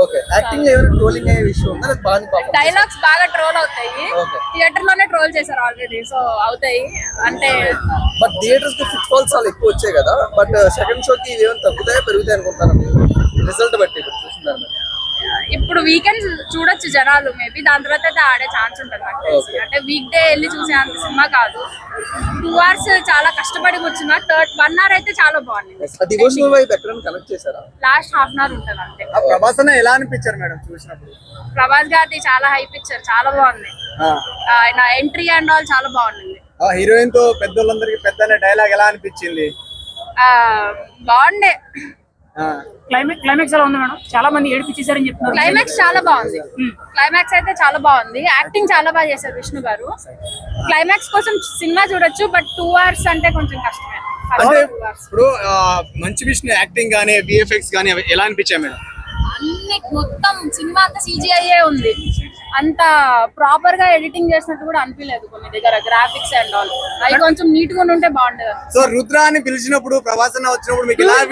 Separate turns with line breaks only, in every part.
Okay acting ఏమైనా trolling అయ్యే విషయం ఉందా లేదా బాగా
డైలాగ్స్ బాగా ట్రోల్ అవుతాయి.
ఓకే
థియేటర్ లోనే ట్రోల్ చేశారు ఆల్రెడీ, సో అవుతాయి అంటే.
బట్ థియేటర్స్ కి ఫుట్ ఫాల్స్ చాలా ఎక్కువ వచ్చాయి కదా, బట్ సెకండ్ షోకి ఇవేమైనా తగ్గుతాయా పెరుగుతాయి అనుకుంటారు రిజల్ట్ బట్టి ఇప్పుడు చూస్తున్నారు.
ఇప్పుడు వీకెండ్ చూడొచ్చు జనాలు, మేబీ దాని తర్వాత అయితే ఆడే ఛాన్స్ ఉంటుంది నాకు తెలిసి. అంటే వీక్ డే వెళ్ళి చూసే అంత సినిమా కాదు. 2 hours చాలా కష్టపడి కూర్చున్నా. 1 hour అయితే చాలా బాగుంది.
డివోషనల్ వైబ్ ఎక్కడైనా కనెక్ట్ చేశారా?
లాస్ట్ హాఫ్ అన్ అవర్ ఉంటుంది అంతే.
ప్రభాస్ అన్న ఎలా అనిపించారు మేడం చూసినప్పుడు?
ప్రభాస్ గారిది చాలా హైప్ ఇచ్చారు, చాలా బాగుంది. ఆయన ఎంట్రీ అండ్ ఆల్ చాలా బాగుంది.
హీరోయిన్ తో పెద్దోళ్ళందరికి పెద్ద డైలాగ్ ఎలా అనిపించింది?
బాగుండే.
క్లైమాక్స్ ఎలా ఉంది మేడం? చాలా మంది ఏడిపించేసారని చెప్తున్నారు.
క్లైమాక్స్ చాలా బాగుంది. క్లైమాక్స్ అయితే చాలా బాగుంది. యాక్టింగ్ చాలా బాగా చేశారు విష్ణు గారు. క్లైమాక్స్ కోసం సినిమా చూడొచ్చు, బట్ 2 hours అంటే కొంచెం కష్టమే.
అంటే ఇప్పుడు మంచి విష్ణు యాక్టింగ్ గానీ విఎఫ్ఎక్స్ గానీ ఎలా అనిపించాయి మేడం?
అన్ని మొత్తం సినిమా అంతా CGI ఉంది. అంత ప్రాపర్ గా ఎడిటింగ్ చేసినట్టు కూడా అనిపించలేదు. కొన్ని దగ్గర గ్రాఫిక్స్ అండ్ ఆల్ అవి కొంచెం నీట్ గా ఉంటే బాగుండేది.
సో రుద్ర అని పిలిచినప్పుడు ప్రభాస్ అన్న వచ్చినప్పుడు మీకు ఎలా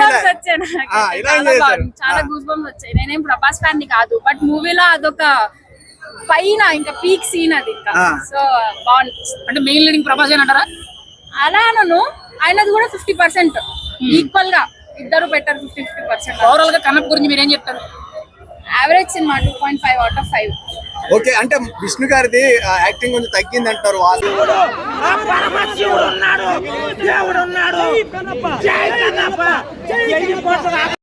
చాలా గూస్ బంప్స్ వచ్చాయి. నేనేం ప్రభాస్ ఫ్యాన్ ని కాదు, బట్ మూవీలో అదొక పైన ఇంకా పీక్ సీన్ అది. ఇంకా సో బాగుంది.
అంటే మెయిన్ లీడింగ్ ప్రభాస్ అంటారా?
అలా అనను, ఆయనది కూడా 50% ఈక్వల్ గా ఇద్దరు బెటర్. 50-50%.
ఓవరాల్ గా కన్నప్ప గురించి మీరు ఏం చెప్తారు?
Average cinema 2.5 out of 5.
Okay, అంటే విష్ణు గారిది యాక్టింగ్ కొంచెం తగ్గింది అంటారు వాళ్ళు.